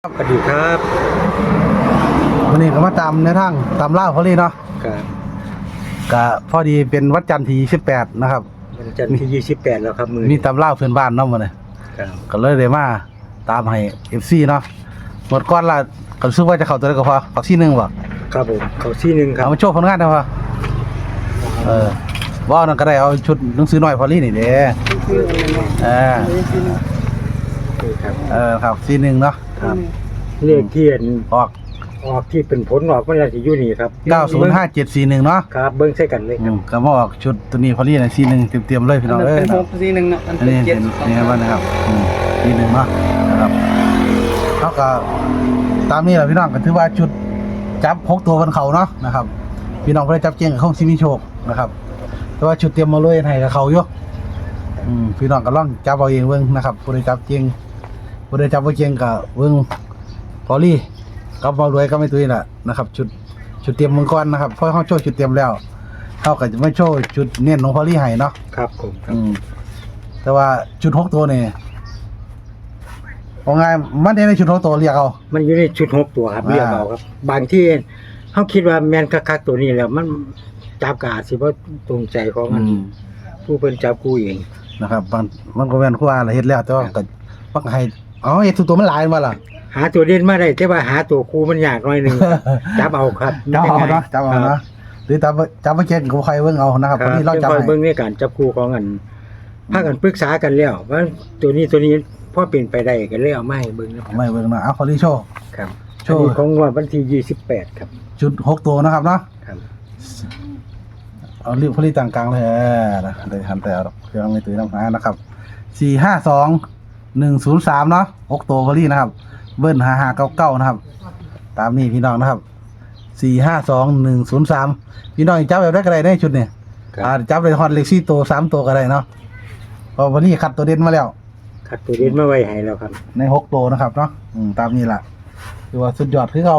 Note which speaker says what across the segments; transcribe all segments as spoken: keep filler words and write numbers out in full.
Speaker 1: สวัสดีครับ
Speaker 2: วันนี้ก็มาตามในทางตามล่าพอดีเนาะ
Speaker 1: ครับ
Speaker 2: ก็พอดีเป็นวัดจันทร์ที่ยี่สิบแปดนะครับ
Speaker 1: วันจันทร์ที่ยี่สิบแปดแล้วครับมือ
Speaker 2: มีตามล่าเพื่อนบ้านเนาะมื้อนี้
Speaker 1: ครับ
Speaker 2: ก็เลยได้มาตามให้ เอฟ ซี เนาะหมดก่อนละก็รู้สึกว่าจะเข้าตัวได้ก็พอปักซี่นึงบ่
Speaker 1: ครับผมเขาซี่นึงครับ
Speaker 2: เอามาโชว์ผลงานได้บ่เออบ่นั่นก็ได้เอาชุดหนังสือน้อยพอลี่นี่เด้เออ
Speaker 1: ครับ
Speaker 2: เออครับซี่นึงเนาะครับ
Speaker 1: เลขที่
Speaker 2: ออก
Speaker 1: ออกที่เป็นผลออกมันจะอยู่นี่ครับ
Speaker 2: เก้าศูนย์ห้าเจ็ดสี่หนึ่งเนาะ
Speaker 1: ครับเบิ่งใส่กันเลยครับ
Speaker 2: ก็มาออกชุดตัวนี้พอลี่น่ะซี่นึงเตรียมๆเลยพี่น้องเอ้ย
Speaker 3: เป็นหกสี่หนึ่งเนาะ
Speaker 2: อันนี้เป็นนี่ครับนะครับอืมซี่นึงเนาะนะครับเฮาก็ตามนี้แหละพี่น้องก็ถือว่าชุดจับหกตัวบนเขาเนาะนะครับพี่น้องเพิ่นจับเก่งกับคงสิมีโชคนะครับแต่ว่าชุดเตรียมมาเลยให้กับเขาอยู่อืมพี่น้องก็ลองจับเอาเองเบิ่งนะครับผู้ใดจับเก่งผู้ใดจับบ่เก่งก็เบิ่งพอลี่กับบ่รวยก็ไม่ตุ้ยน่ะนะครับชุดชุดเตรียมมังกรนะครับเพราะเฮาโชว์ชุดเตรียมแล้วเฮาก็จะไม่โชว์ชุดเน้นของพอลี่ให้เนาะ
Speaker 1: ครับผม
Speaker 2: อืมแต่ว่าชุดหกตัวนี่ว่าไงมันในชุดหกตัวเรียกเอา
Speaker 1: มันอยู่ในชุดหกตัวครับเรียกเอาครับบางที่เฮาคิดว่าแม่นคักๆตัวนี้แล้วมันจับก็อาจสิบ่ตรงใจของมันผู้เพิ่นจับกูเอง
Speaker 2: นะครับมันมันก็แม่นครูว่าล่ะเฮ็ดแล้วแต่ว่าก็ปักให้อ๋อเฮ็ดทุกตัวมันหลายมาล่ะ
Speaker 1: หาตัวเด่นมาได้แต่ว่าหาตัวครูมันยากหน่อยนึงจับเอาครับ
Speaker 2: จับเอาเนาะจับเอาเนาะหรือจับจับบ่เก่งก็ใครเบิ่งเอานะครับวันนี้เราจับให้
Speaker 1: เบิ่งในการจับคู่ของกันพากันปรึกษากันแล้วว่าตัวนี้ตัวนี้พอเป็นไปได้ก็เลยเอามาให้เบิ่งนะครับ
Speaker 2: ไม่เบิ่งนะเอาขอรีโชว์
Speaker 1: ครับโชว์ของวันที่ยี่สิบแปดครับ
Speaker 2: ชุดหกตัวนะครับเนาะ
Speaker 1: ครับ
Speaker 2: เอารีบพอรีต่างกลางเลยนะได้หันแต่เอาเครื่องในตู้น้ำหานะครับสี่ห้าสองหนึ่งศูนย์สามเนาะหกตัวพอรีนะครับเบิ้ลห้าห้าเก้าเก้านะครับตามนี้พี่น้องนะครับสี่ห้าสองหนึ่งศูนย์สามพี่น้องจับแบบได้ก็ได้ในชุดนี้อ่าจับเลยฮอตเล็กซี่ตัวสามตัวก็ได้เนาะพอวันนี้คัดตัวเด่นมาแล้ว
Speaker 1: คัดตัวเด่นมาไว้ให้แล้วครับ
Speaker 2: ในหกตัวนะครับเนาะอืมตามนี้แหละคือว่าสุดยอดคือเขา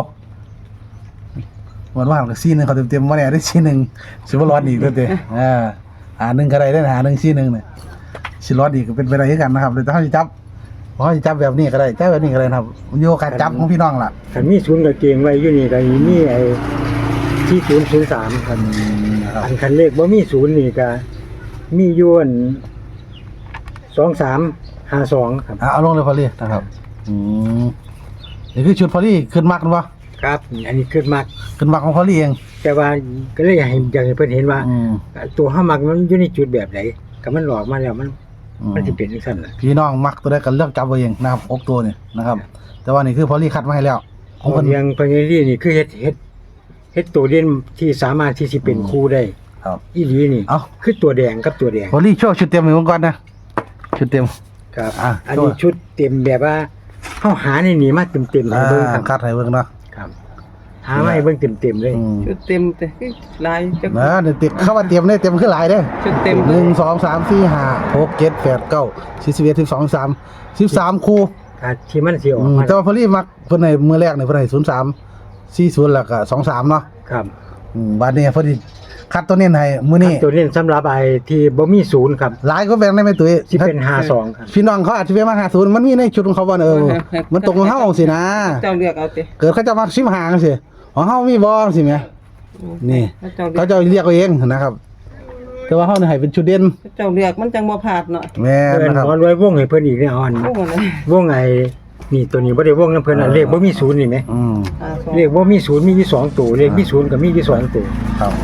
Speaker 2: วันว่างกับซี่หนึ่งเขาเต็มๆมาเนี่ยได้ซี่หนึ่งสิบร้อนอีกด้วยเด้อ่าหาหนึ่งก็ได้ได้หาหนึ่งซี่หนึ่งเนี่ยสิร้อนอีกก็เป็นไปได้กันนะครับเลยถ้าเขาจะจับเขาจะจับแบบนี้ก็ได้จับแบบนี้ก็ได้ครับมันโยกการจับของพี่น้องล่ะ
Speaker 1: คันมีศูนย์กับเกงไว้อยู่นี่ก็มีไอ้ที่ศูนย์ศูนย์สามคันอันคันเลขบ่มีศูนย์นี่ก็มียวนสองสามห้าสองครับ
Speaker 2: เอาลงเลยพอลี่นะครับอืมนี่คือชุดพอลี่ขึ้นมากนะวะ
Speaker 1: ครับอันนี้ขึ้นมาก
Speaker 2: ขึ้นมากของพอลี่เอง
Speaker 1: แต่ว่าก็เลยให้อยากให้เพิ่นเห็นว่าตัวห้ามักมันอยู่ในจุดแบบไหนก็มันหลอกมาแล้วมันมันจะเป็นจังซั่นล่ะ
Speaker 2: พี่น้องมักตัวได้กันเลือกจับเอาเองนะครับหกตัวนี่นะครับแต่ว่านี่คือพอลี่คัดมาให้แล้ว
Speaker 1: ของเพิ่นยังเพิ่นนี่นี่คือเฮ็ดเฮ็ดเฮ็ดตัวเด่นที่สามารถที่สิเป็นคู่ได้
Speaker 2: ครับ
Speaker 1: อีหลีนี่
Speaker 2: เอ้า
Speaker 1: คือตัวแดงกับตัวแดง
Speaker 2: พอลี่โชว์ชุดเต็มให้ก่อนนะชุดเต็ม
Speaker 1: ครับอันนี้ชุดเต็มแบบว่าเฮาหาในนี่มาเต็มๆให้เบิ่งครับ
Speaker 2: คัดให้เบิ่งเนาะ
Speaker 1: ครับหามาให้เบิ่งเต็มๆเลย
Speaker 3: ชุดเต็มแต่ลาย
Speaker 2: จักนะเดี๋ยวติดเข้ามาเต็มเลยเต็มคือหลายเด้
Speaker 3: ชุดเต็ม
Speaker 2: หนึ่ง สอง สาม สี่ ห้า หก เจ็ด แปด เก้า สิบ สิบเอ็ด สิบสอง สิบสาม สิบสามคู่
Speaker 1: อ่าที่มันสิออกมา
Speaker 2: แต่ว่าพอลี่มักเพิ่นให้มื้อแรกนี่เพิ่นให้ศูนย์สาม สี่ศูนย์แล้วก็สองสามเนาะ
Speaker 1: ครับ
Speaker 2: อืมบัดนี้พอดีคัดตัวเน้นให้มื้อนี้
Speaker 1: ตัวเน้นสำหรับไอ้ที่บ่มีศูนย์ครับ
Speaker 2: หลายก็แบ่งได้มั้ยตุ้ย
Speaker 1: สิเป็นห้าสองครับ
Speaker 2: พี่น้องเขาอาจสิไปมาห้าศูนย์มันมีในชุดของเขาบ่เออมันตรงของเฮาสินะ
Speaker 3: เจ้าเลือกเอาติ
Speaker 2: เกิดเขาจะมาสิบห้าจังซี่ของเฮามีบ่สิแม่นี่เขาจะเรียกเอาเองนะครับแต่ว่าเฮานี่ให้เป็นชุดเด่น
Speaker 3: เจ้าเลือกมันจังบ่พลาดเนาะ
Speaker 2: แม่นนะครับ
Speaker 1: ขอรวยวงให้เพิ่นอีกแน่อ่อนวงไอ้นี่ตัวนี้บ่ได้วงนำเพิ่นน่ะเลขบ่มีศูนย์นี่แหม
Speaker 2: อืม
Speaker 1: เลขบ่มีศูนย์มีอยู่สองตัวเลขมีศูนย์ก็มีอยู่สองตัว
Speaker 2: ครับ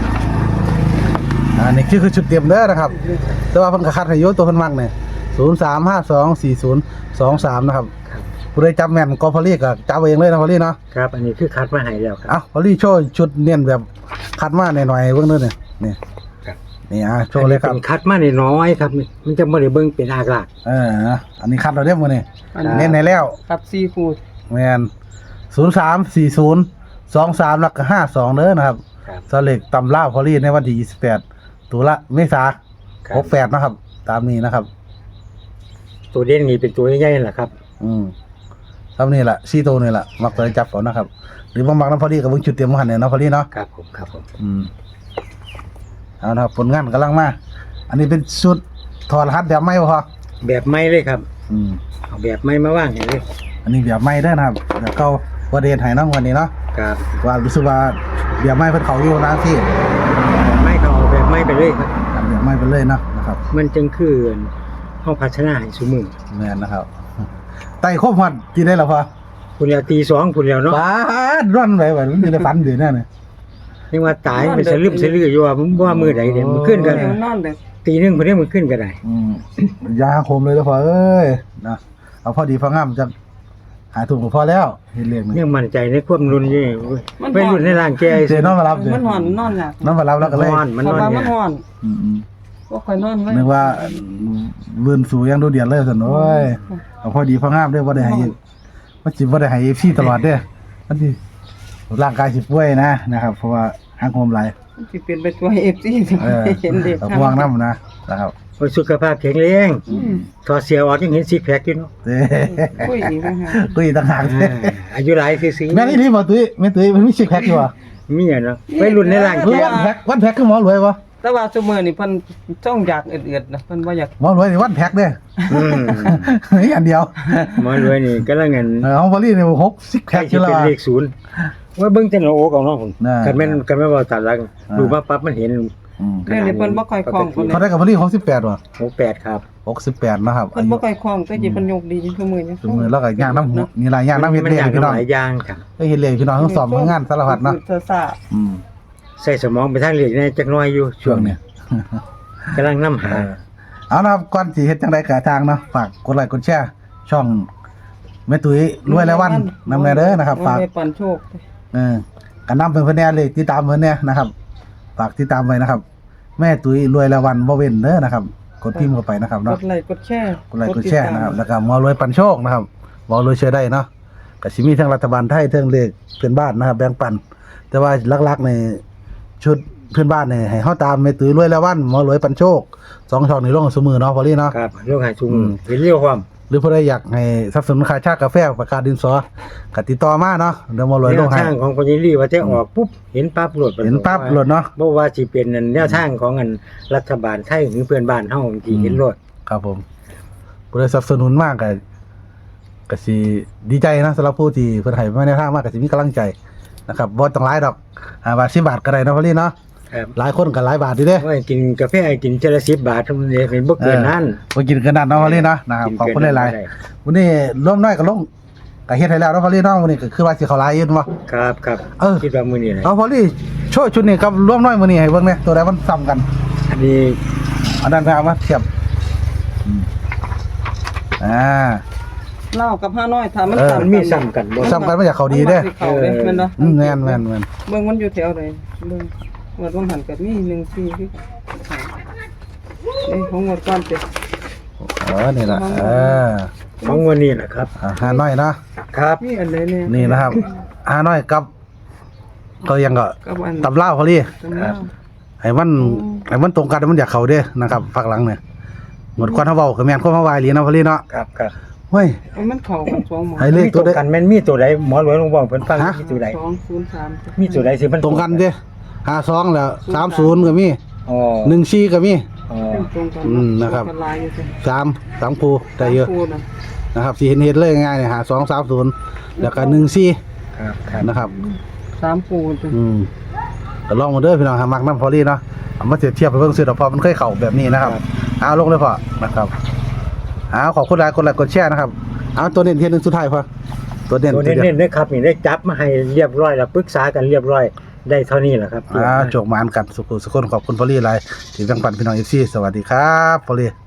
Speaker 2: อันนี้คือคือชุดเต็มเด้อนะครับแต่ว่าเพิ่นก็คัดให้อยู่ตัวเพิ่นมักนี่ศูนย์ สาม ห้า สอง สี่ ศูนย์ สอง สามนะครับผู้ใดจำแม่นก็พอลี่ก็จับเองเลยนะพอลี่เนาะ
Speaker 1: ครับอันนี้คือคัดมาให้แล้วครับ
Speaker 2: เอ้าพอลี่โชว์ชุดเน้นแบบคัดมาหน่อยๆเบิ่งเด้อนี่นี่
Speaker 1: ครับ
Speaker 2: นี่อ่ะโชว์เลยครับ
Speaker 1: คัดมาน้อยๆครับมันจะบ่ได้เบิ่งเป็นอากาศ
Speaker 2: เอออันนี้คัดเราเรียบมื้อนี้เน้นให้แล้ว
Speaker 3: ครับสี่คู่
Speaker 2: แม่นศูนย์ สาม สี่ ศูนย์ สอง สามแล้วก็ห้าสองเด้อนะครับสเลขตำลาวพอลี่ในวันที่ยี่สิบแปดตุลาเมษายนหกสิบแปดนะครับตามนี้นะครับ
Speaker 1: ตัวเด่นนี่เป็นตัวใหญ่ๆแหละครับ
Speaker 2: อืมทำนี่แหละซี่โตนี่แหละมักตัวจับก่อนนะครับหรือบางบางน้ำพอดีกับเบิ่งจุดเตรียมหันเนี่ยเนาะพอดีเนาะ
Speaker 1: ครับผมครับผม
Speaker 2: อืมเอานะครับผลงานกำลังมาอันนี้เป็นชุดถอดรหัสแบบใหม่บ่พอ
Speaker 1: แบบใหม่เลยครับ
Speaker 2: อืม
Speaker 1: เอาแบบใหม่มาว่างให้เลย
Speaker 2: อันนี้แบบใหม่เด้อนะครับเดี๋ยวเก่าบ่ได้เฮ็ดให้เนาะวันนี้เนาะ
Speaker 1: ครับ
Speaker 2: ว่ารู้สึกว่าแบบใหม่เพิ่นเข้าอยู่นานที่
Speaker 1: ไม่เขาเอาแบบไม่ไปเลยครับ
Speaker 2: ทำแบบใหม่ไปเลยเนาะนะครับ
Speaker 1: มันจึงคือเฮาพัฒนาให้ซุมื้อ
Speaker 2: แม่นนะครับไต่ครบฮอดที่ได้แล้วพอ
Speaker 1: พุ่นแล้วตีสองพุ่นแล้วเนาะ
Speaker 2: ปาดร่อนไปว่ามันอยู่ในฝันอยู่นั่นน่ะ
Speaker 1: นี่ว่าตายไปสลึมสลืออยู่ว่าผมว่ามื้อใดเด้มันขึ้นกัน
Speaker 3: เดี๋ยวนอนเด้อ
Speaker 1: ตีหนึงพุ่นนี้มันขึ้นก็ได้
Speaker 2: อืมยาคมเลยแล้วพอเอ้ยนะเอาพอดีพองามจะหายถูกก็พอแล้วเห็นเรื่องนี้
Speaker 1: ยังมั่นใจในความรุนอยู่ไปรุ่นในร่างแก
Speaker 2: เจนอนมารับเด้
Speaker 3: มันหอนนอนยาก
Speaker 2: นอนมารับแล้วก็เลย
Speaker 1: นอนมันนอน
Speaker 3: เพราะว่า
Speaker 1: เนี่
Speaker 3: มัน
Speaker 1: ย
Speaker 3: หอน
Speaker 2: อืม
Speaker 3: บ่ค่อยนอนไว้
Speaker 2: ๆนึกว่าเลื่อนสู่ยังดูเดือดเลยซั่นโอ้ยเอาพอดีพองามเด้อบ่ได้ให้มันสิบ่ได้ให้ เอฟ ซี ตลอดเด้อมันสิร่างกายสิป่วยนะนะครับเพราะว่าหางโฮมหลาย
Speaker 3: มันสิเป็นไปตัว เอฟ ซี
Speaker 2: เออ
Speaker 3: เห็นเด็ก
Speaker 2: เอาพวงนำนะนะครับ
Speaker 1: ว่าสุขภาพแข็งแรง
Speaker 3: อืม
Speaker 1: ถอดเสียออกยังเห็นซิกแพคอยู่เนาะ
Speaker 2: เด้
Speaker 3: คุยอีกนะฮะ
Speaker 2: ตุ้ยต่างหาก
Speaker 1: อ่าอายุหลายซื่อๆ
Speaker 2: แม่นี่รีบ่ตุ้ยแม่ตุ้ยมันมีซิกแพคอยู่บ่
Speaker 1: มีอ่ะเนาะไปรุ่นในร่าง
Speaker 2: หรือ
Speaker 1: แก
Speaker 2: วันแพ็ควันแพ็คคือหมอรวยบ่
Speaker 3: แต่ว่าซุมื้อนี่เพิ่นจ้องอยากเอือดๆนะเพิ่นบ่อยาก
Speaker 2: หมอรวยนี่วันแพ็คเด้อ
Speaker 1: อืม
Speaker 2: นี่อันเดียว
Speaker 1: หมอรวยนี่ก็ละเงิน
Speaker 2: เออของบอลลี่เนี่ยหกซิก
Speaker 1: ใคร
Speaker 2: แพ็ค
Speaker 1: สิ
Speaker 2: อยู่แล้ว
Speaker 1: เป็น
Speaker 2: อะ
Speaker 1: เลขศูนย์ว่าเบิ่งแต่หน้าอกเอาเนาะผม
Speaker 2: น่า
Speaker 1: กันแม่นกันแม่นว่าตัดหลัง
Speaker 2: อ่า
Speaker 1: ดูมาปั๊บมันเห็น
Speaker 2: อืม
Speaker 3: เดี๋ยวนี้เพิ่นบ่ค่อยคล่องเพิ่น
Speaker 2: เขาได้กับบอลลี่หกสิบแปดว่ะ
Speaker 1: หกแปดครับ
Speaker 2: หกสิบแปดนะครับ
Speaker 3: เพิ่นบ่ค่อยคล่องแต่สิเพิ่นยกดีซุมื้อนี้
Speaker 2: ถึงมือแล้วก็ย่างน้ำหัวนี่หลายย่างน้ำเฮ็ด
Speaker 1: มัน
Speaker 2: เลี้ย
Speaker 1: อยาก
Speaker 2: พี่น้อง
Speaker 1: หลายอย่างครับ
Speaker 2: เฮ็ดเลี้ยพี่น้องทั้งสองทั้งงานสารพัดเนาะ
Speaker 3: คือซ่า
Speaker 2: อืม
Speaker 1: ใส่สมองไปทางเล็กในจักหน้อยอยู่
Speaker 2: ช่วงเนี้ย
Speaker 1: กำลังนำหา
Speaker 2: เอานะครับก่อนสิเฮ็ดจังได๋ก็ทางเนาะฝากกดไลค์กดแชร์ช่องแม่ตุ้ยรวยแล้ววันนำแน่เด้อนะครับฝาก
Speaker 3: ไว้ปันโชค
Speaker 2: เออกันนำเพิ่นเพิ่นแน่เลยติดตามเพิ่นแน่นะครับฝากติดตามไว้นะครับ แม่ตุ้ยรวยแล้ววันบ่เว้นเด้อนะครับกดพิมพ์เข้าไปนะครับ
Speaker 3: ก
Speaker 2: เนาะ
Speaker 3: ดไลค์กดแชร์
Speaker 2: กดไลค์กดแชร์นะครับแล้วก็หมอรวยปันโชคนะครับหมอรวยเชื่อได้เนาะก็สิมีทั้งรัฐบาลไทยทั้งเลขเพื่อนบ้านนะครับแบ่งปัน แต่ว่าหลักๆในชุดเพื่อนบ้านเนี่ยให้เฮาตามแม่ตุ้ยรวยแล้ววันหมอรวยปันโชคสองช่องนี้ลงเสมอเนาะพอลี่เนาะ
Speaker 1: ครับโรคหายชุง
Speaker 2: อืม
Speaker 1: เห็นเรียวความ
Speaker 2: หรือผู้ใดอยากให้สนับสนุนค่าชากาแฟประกาศดินสอก็ติดต่อมาเนาะเดี๋ยวหมอรวย
Speaker 1: แน
Speaker 2: ล
Speaker 1: ว
Speaker 2: งให้
Speaker 1: ทางของคนยิรี่ว่าจะออกปุ๊บเห็นปั๊บโหลด
Speaker 2: เห็นปั๊บโหลดเนาะ
Speaker 1: บ่ว่าสิเป็นแนวทางของอันรัฐบาลไทยหรือเพื่อนบ้านเฮาที่เห็นโหลด
Speaker 2: ครับผมผู้ใดสนับสนุนมากก็ก็สิดีใจนะสำหรับผู้ที่เพิ่นให้มาในทางมากก็สิมีกำลังใจนะครับบ่ต้องหลายดอกห้าบาทสิบบาทก็ได้เนาะพอลี่เนาะ
Speaker 1: ครับ
Speaker 2: หลายคนก็หลายบาทอยู่เด้
Speaker 1: ว่ากินกาแฟกินเจละสิบบาทเท่านั้นเองเป็นบ่เกินนั้น
Speaker 2: บ่กินกันนั่นเนาะพอลี่เนาะนะครับขอบคุณหลาย
Speaker 1: ๆ
Speaker 2: ๆวันนี้ร่วมน้อยก็ลงก็เฮ็ดให้แล้วเนาะพอลี่เนาะวันนี้ก็คือว่าสิเข้าหลายอยู่เนาะ
Speaker 1: ครับครับ
Speaker 2: เออ
Speaker 1: คิดว่ามื้อนี้แหละ
Speaker 2: เอาพอลี่โชว์ชุดนี้กับร่วมน้อยมื้อนี้ให้เบิ่งแหน่ตัวใดมันซ้ำกัน
Speaker 1: อันนี้
Speaker 2: อันนั้นไปเอามาเทียบอืมอ่า
Speaker 3: เล่ากับห้าน้อยถ้ามัน
Speaker 2: เออ
Speaker 3: ซ้ำ
Speaker 1: มันมีซ้ำกันบ่
Speaker 2: ซ้ำกันมาจากเขาดีเด้
Speaker 3: มันสิเข้าเด้แม่นบ่
Speaker 2: อืมแม่นแม่นแม่น
Speaker 3: เบิ่งมันอยู่แถวใดเบิ่งงวดบ่หันก็มีหนึ่งสี่คือเอ้ยของงวดก่อนเด้
Speaker 2: เออนี่ล่ะเออ
Speaker 1: ของวันนี้แหละครับ
Speaker 2: อ่าหาน้อยเนาะ
Speaker 1: ครับ
Speaker 3: มีอันใดเนี่ย
Speaker 2: นี่นะครับหาน้อยกับก็ยังก็
Speaker 3: กับอัน
Speaker 2: ตำลาวพอลี่
Speaker 3: ตำรา
Speaker 2: ให้มันให้มันตรงกันมันอยากเข้าเด้นะครับภาคหลังเนี่ยหมดควันเฮาเว้าก็แม่นความเฮาว่าอีหลีนะพอลี่เนาะ
Speaker 1: ครับครับ
Speaker 2: เฮ้ย
Speaker 3: เอามันเข้ากันสองหมอ
Speaker 2: ให้เลข
Speaker 1: มี
Speaker 2: ตั
Speaker 1: ตัว ว
Speaker 2: ใด
Speaker 1: กันแม่นมีตัวใดหมอหลวงลงบอกเพิ่นฟัง
Speaker 2: ฮะ
Speaker 1: มีตัวใด
Speaker 3: สองศูนย์สาม
Speaker 1: มีตัวใดสิมัน
Speaker 2: ตรงกันเด้ห้าสองแล้วสามศูนย์ก็มี
Speaker 1: อ๋อ
Speaker 2: หนึ่งสี่ก็มี
Speaker 1: อ๋อ
Speaker 3: ตรงกัน
Speaker 2: อืมนะครับ
Speaker 3: กันหลายอยู่เด้
Speaker 2: สามสามคูได้เยอะ
Speaker 3: คู่น่ะ
Speaker 2: นะครับสี่เห็นเห็นเลยง่ายๆเนี่ยหาสองสามศูนย์แล้วก็หนึ่งสี่
Speaker 1: ครับครับ
Speaker 2: นะครับ
Speaker 3: สามคู่เด้
Speaker 2: อืมก็ลองมาเด้อพี่น้องหามักน้ำพอลี่เนาะเอามาเทียบเทียบไปเบิ่งซื้อดอกพอมันเคยเข้าแบบนี้นะครับเอาลงเลยพอนะครับเอาขอบคุณหลายคนหลายกดแชร์นะครับเอาตัวเน้นเทียนหนึ่งสุดท้ายพอตัวเน้น
Speaker 1: ตัว
Speaker 2: ทีเดียว
Speaker 1: เน้นๆเด้อครับนี่ได้จับมาให้เรียบร้อยแล้วปรึกษากันเรียบร้อยได้เท่านี้แหละครับ
Speaker 2: อ่าโจกหมานกันสุขุสุขคนขอบคุณพอลี่หลายที่แบ่งปันพี่น้องเอฟซีสวัสดีครับพอลี่